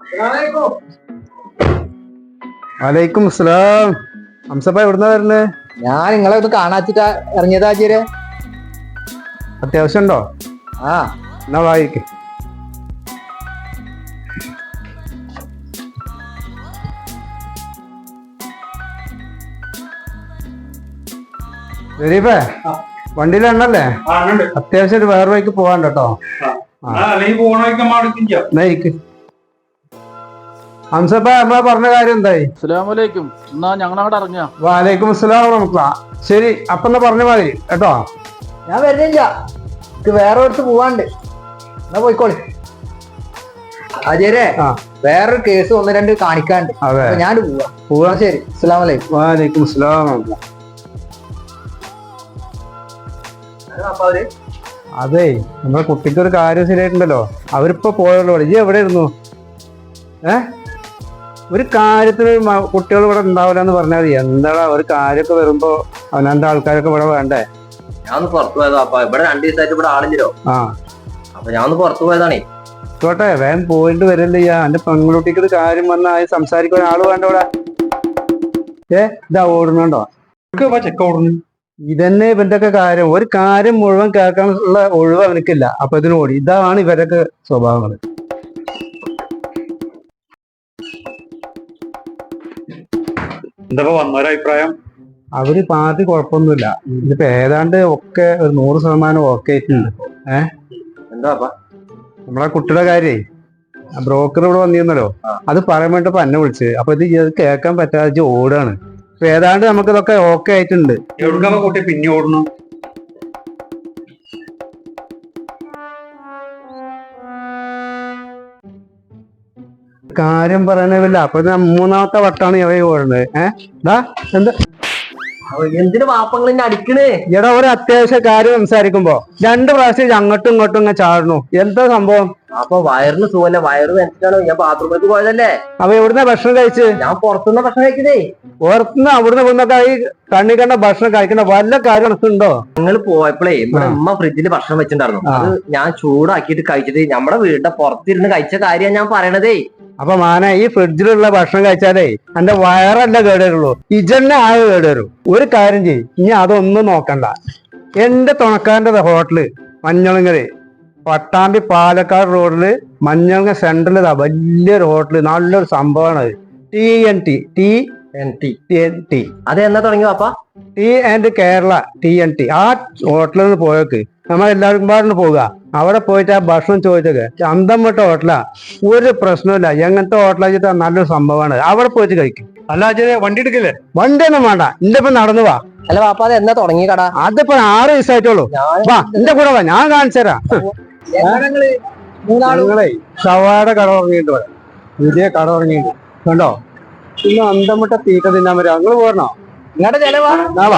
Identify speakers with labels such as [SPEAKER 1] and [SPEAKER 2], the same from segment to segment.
[SPEAKER 1] വലൈക്കും അസ്സലാം. ഹംസപ്പ എവിടുന്നാ വരുന്നത്?
[SPEAKER 2] ഞാൻ നിങ്ങളെ ഒന്ന് കാണാച്ചിട്ടാ ഇറങ്ങിയതാ ആചാര്യ.
[SPEAKER 1] അത്യാവശ്യം ഉണ്ടോ?
[SPEAKER 2] ആ
[SPEAKER 1] എന്നാ വായിക്ക്. ശരീഫേ, വണ്ടിയിൽ എണ്ണല്ലേ? അത്യാവശ്യം ഒരു വേറെ വഴിക്ക് പോവാൻ കേട്ടോ. എന്നാ ഇരിക്ക്. ഹംസപ്പ നമ്മളെ പറഞ്ഞ കാര്യം എന്തായി?
[SPEAKER 3] അസ്സലാമലൈക്കും. എന്നാ ഞങ്ങളങ്ങോട്ട് ഇറങ്ങിയ.
[SPEAKER 1] വാലൈക്കും അസ്സലാം വറഹ്മത്തുള്ളാഹ്. ശരി, അപ്പൊ എന്നാ പറഞ്ഞ മാതിരി കേട്ടോ.
[SPEAKER 2] ഞാൻ വരുന്നില്ല, എനിക്ക് വേറെ അടുത്ത് പോവാണ്ട്. എന്നാ പോയിക്കോളി ആചാര്യ. വേറൊരു കേസ് ഒന്ന് രണ്ട് കാണിക്കാണ്ട്. ഞാൻ പോവാ. ശരി, അസ്സലാമു അലൈക്കും.
[SPEAKER 1] വാലൈക്കും അസ്സലാം വറഹ്മത്തുള്ളാഹ്. അതെ, നമ്മളെ കുട്ടിക്ക് ഒരു കാര്യം ശരിയായിട്ടുണ്ടല്ലോ. അവരിപ്പോ പോയുള്ളൂ. ഇജ്ജ് എവിടെ ഇരുന്നു? ഒരു കാര്യത്തിന് കുട്ടികൾ ഇവിടെ ഉണ്ടാവില്ല എന്ന് പറഞ്ഞാൽ മതി. എന്താണ് ഒരു കാര്യമൊക്കെ വരുമ്പോ അവനാന്റെ ആൾക്കാരൊക്കെ ഇവിടെ വേണ്ടേ?
[SPEAKER 4] ഞാൻ പുറത്തു പോയതാ. അപ്പൊ ഇവിടെ 2 ദിവസമായിട്ട് ഇവിടെ ആളില്ലോ. അപ്പൊ ഞാൻ പുറത്തു പോയതാണേ.
[SPEAKER 1] ആയിക്കോട്ടെ, വേഗം പോയിട്ട് വരല്ലേ ചെയ്യാ. എന്റെ പെൺകുട്ടിക്ക് ഒരു കാര്യം വന്നാൽ സംസാരിക്കാൻ ആള് വേണ്ട ഇവിടെ. ഇതാ ഓടുന്നുണ്ടോ? ചെക്ക ഓടുന്നു. ഇതന്നെ ഇവന്റെ ഒക്കെ കാര്യം. ഒരു കാര്യം മുഴുവൻ കേൾക്കാനുള്ള ഒഴിവ് അവനക്കില്ല. അപ്പൊ ഇതിന് ഓടി. ഇതാണ് ഇവരൊക്കെ സ്വഭാവങ്ങൾ.
[SPEAKER 5] എന്താ വന്നൊരഭിപ്രായം?
[SPEAKER 1] അവര് പാർട്ടി കുഴപ്പമൊന്നുമില്ല. ഇതിപ്പോ ഏതാണ്ട് ഒക്കെ ഒരു 100% ഓക്കെ ആയിട്ടുണ്ട്.
[SPEAKER 4] എന്താ
[SPEAKER 1] നമ്മളെ കുട്ടിയുടെ കാര്യേ ബ്രോക്കർ ഇവിടെ വന്നിരുന്നല്ലോ. അത് പറയാൻ വേണ്ടിപ്പോ എന്നെ വിളിച്ച്. അപ്പൊ ഇത് കേൾക്കാൻ പറ്റാതെ ഓടാണ്. അപ്പൊ ഏതാണ്ട് നമുക്ക് ഇതൊക്കെ ഓക്കെ ആയിട്ടുണ്ട്.
[SPEAKER 5] എവിടുക്കാ കുട്ടി പിന്നെ ഓടണം?
[SPEAKER 1] കാര്യം പറയാനില്ല. അപ്പൊ 3ാമത്തെ വട്ടാണ് ഇവ ഓടുന്നത്. എന്താ
[SPEAKER 4] എന്തിനു വാപ്പങ്ങൾ എന്നെ അടിക്കണേ?
[SPEAKER 1] എടാ, ഒരു അത്യാവശ്യ കാര്യം സംസാരിക്കുമ്പോ 2 പ്രാവശ്യം അങ്ങോട്ടും ഇങ്ങോട്ടും ഇങ്ങനെ ചാടണു. എന്താ സംഭവം?
[SPEAKER 4] അപ്പൊ വയറിന് സുഖല്ലേ? വയറ് വെച്ചിട്ടാണ് ഞാൻ ബാത്റൂമിലേക്ക് പോയതല്ലേ.
[SPEAKER 1] അപ്പൊ എവിടുന്ന ഭക്ഷണം കഴിച്ച്?
[SPEAKER 4] ഞാൻ പുറത്തുനിന്ന് ഭക്ഷണം കഴിക്കുന്നേ.
[SPEAKER 1] പുറത്തുനിന്ന് അവിടുന്ന് ഇവിടുന്നൊക്കെ ഈ കണ്ണി കണ്ട ഭക്ഷണം കഴിക്കണ വല്ല കാര്യം ഉണ്ടോ?
[SPEAKER 4] ഞങ്ങൾ പോയപ്പോഴേ ഇവിടെ ഉമ്മ ഫ്രിഡ്ജിൽ ഭക്ഷണം വെച്ചിട്ടുണ്ടായിരുന്നു. അത് ഞാൻ ചൂടാക്കിയിട്ട് കഴിച്ചിട്ട് നമ്മുടെ വീടിന്റെ പുറത്തിരുന്ന് കഴിച്ച കാര്യമാണ് ഞാൻ പറയണതേ.
[SPEAKER 1] അപ്പൊ മാനെ, ഈ ഫ്രിഡ്ജിലുള്ള ഭക്ഷണം കഴിച്ചാലേ എന്റെ വയറല്ല കേടുവരുള്ളൂ, ഇജന്നെ ആകെ കേടുവരും. ഒരു കാര്യം ചെയ്യും, ഇനി അതൊന്നും നോക്കണ്ട. എന്റെ തുണക്കാരന്റെ ഹോട്ടല് മഞ്ഞളങ്ങര് പട്ടാമ്പി പാലക്കാട് റോഡില് മഞ്ഞളങ്ങ സെന്ററിൽ വലിയൊരു ഹോട്ടല്, നല്ലൊരു സംഭവമാണ് അത്. TNT.
[SPEAKER 4] അത് എന്നാ തുടങ്ങി പാപ്പ?
[SPEAKER 1] Tea and Kerala TNT. ആ ഹോട്ടലിൽ നിന്ന് പോയേക്ക് നമ്മളെല്ലാവരും പാടിന് പോകുക. അവിടെ പോയിട്ട് ആ ഭക്ഷണം ചോദിച്ചൊക്കെ അന്തം വിട്ട ഹോട്ടലാ. ഒരു പ്രശ്നമില്ല. എങ്ങനത്തെ ഹോട്ടലാ നല്ലൊരു സംഭവമാണ്. അവിടെ പോയിട്ട് കഴിക്കും.
[SPEAKER 5] അല്ല വണ്ടി എടുക്കില്ലേ?
[SPEAKER 1] വണ്ടിയൊന്നും വേണ്ട, എന്റെ ഇപ്പൊ നടന്നു വാ.
[SPEAKER 4] അല്ല പാപ്പ, അത് എന്നാ തുടങ്ങി കട?
[SPEAKER 1] അതിപ്പോ 6 ദിവസമായിട്ടുള്ളൂ. വാ, എന്റെ കൂടെ വാ, ഞാൻ കാണിച്ചു തരാം. ഞങ്ങളെ ഷവാട കട തുടങ്ങിയിട്ട് പുതിയ കട തുടങ്ങിയിട്ട് കണ്ടോ. ഇന്ന് അന്തം വിട്ട തീക്ക തിന്നാൻ വരാം. നിങ്ങള് പോരണോ?
[SPEAKER 4] ഇങ്ങോട്ട് ചെലവാ.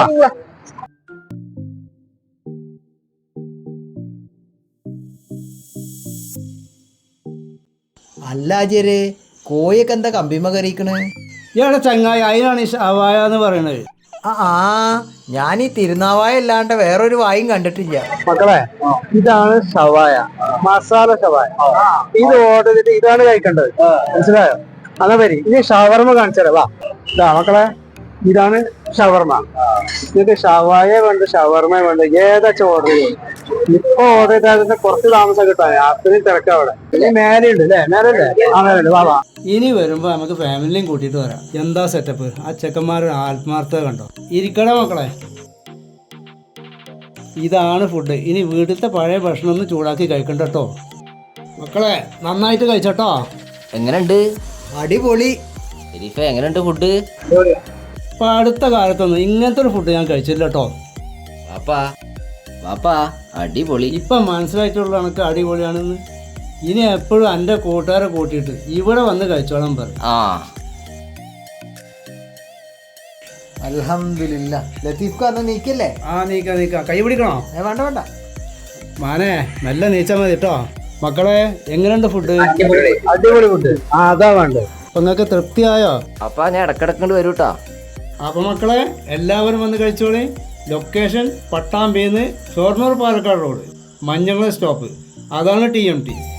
[SPEAKER 2] അല്ല ആചാര്യ, കോയൊക്കെ എന്താ കമ്പിമ കറിയിക്കണേ?
[SPEAKER 6] ഇയാളെ ചങ്ങായി, അതിനാണ് ഈ ഷവായ എന്ന് പറയണത്.
[SPEAKER 2] ഞാൻ ഈ തിരുനാവായ അല്ലാണ്ട് വേറൊരു വായും കണ്ടിട്ടില്ല.
[SPEAKER 1] മക്കളെ, ഇതാണ് ഷവായ, മസാല ഷവായ. ഇത് ഓർഡർ ചെയ്തിട്ട് ഇതാണ് കഴിക്കേണ്ടത്. മനസ്സിലായോ? അതാ വരി. ഇനി ഷവർമ കാണിച്ചു തരാം. വാ, ഇതാ മക്കളെ, ഇതാണ് ഷവർമ. നിങ്ങൾക്ക് ഷവായ വേണ്ട, ഷവർമ വേണ്ട, ഏതാച്ചാ ഓർഡർ ചെയ്യും. ഇപ്പൊ ഓർഡർ ചെയ്താൽ കുറച്ച് താമസം കിട്ടാൻ. അത്രയും തിരക്കാ അവിടെ. ഇനി മേലെയുണ്ട് അല്ലേ? മേലല്ലേ? ആ മേലുണ്ട്. വാ വാ.
[SPEAKER 6] ഇനി വരുമ്പോ നമുക്ക് ഫാമിലിയും കൂട്ടിയിട്ട് വരാം. എന്താ സെറ്റപ്പ്? ആ ചെക്കന്മാരുടെ ആത്മാർത്ഥത കണ്ടോ. ഇരിക്കട മക്കളെ, ഇതാണ് ഫുഡ്. ഇനി വീട്ടിലത്തെ പഴയ ഭക്ഷണം ഒന്ന് ചൂടാക്കി കഴിക്കണ്ട കേട്ടോ. മക്കളെ, നന്നായിട്ട് കഴിച്ചോട്ടോ.
[SPEAKER 4] എങ്ങനെയുണ്ട്?
[SPEAKER 2] അടിപൊളി.
[SPEAKER 4] എങ്ങനെയുണ്ട് ഫുഡ്?
[SPEAKER 6] ഇപ്പൊ അടുത്ത കാലത്തൊന്നും ഇങ്ങനത്തെ ഒരു ഫുഡ് ഞാൻ കഴിച്ചില്ല കേട്ടോ.
[SPEAKER 4] വാപ്പാ അടിപൊളി.
[SPEAKER 6] ഇപ്പൊ മനസ്സിലായിട്ടുള്ള കണക്ക് അടിപൊളിയാണെന്ന്. ഇനി എപ്പോഴും എൻ്റെ കൂട്ടുകാരെ കൂട്ടിയിട്ട് ഇവിടെ വന്ന് കഴിച്ചോളാൻ പറയും.
[SPEAKER 2] അൽഹംദുലില്ലാ. ലത്തീഫ് അന്ന് നീക്കല്ലേ?
[SPEAKER 6] നീക്ക. കൈ പിടിക്കണോ?
[SPEAKER 2] വേണ്ട വേണ്ട
[SPEAKER 6] മാനെ, നല്ല നീച്ചാൽ മതി കേട്ടോ. മക്കളെ, എങ്ങനെയുണ്ട് ഫുഡ്?
[SPEAKER 1] അടിപൊളി ഫുഡ്. അതാ വേണ്ടത്.
[SPEAKER 6] അപ്പൊ നിങ്ങൾക്ക് തൃപ്തിയായോ?
[SPEAKER 4] അപ്പൊ ഞാൻ ഇടക്കിടക്കണ്ട് വരൂട്ടാ.
[SPEAKER 6] അപ്പൊ മക്കളെ, എല്ലാവരും വന്ന് കഴിച്ചോളി. ലൊക്കേഷൻ പട്ടാമ്പിന്ന് ഷൊർണൂർ പാലക്കാട് റോഡ്, മഞ്ഞള സ്റ്റോപ്പ്. അതാണ് TNT.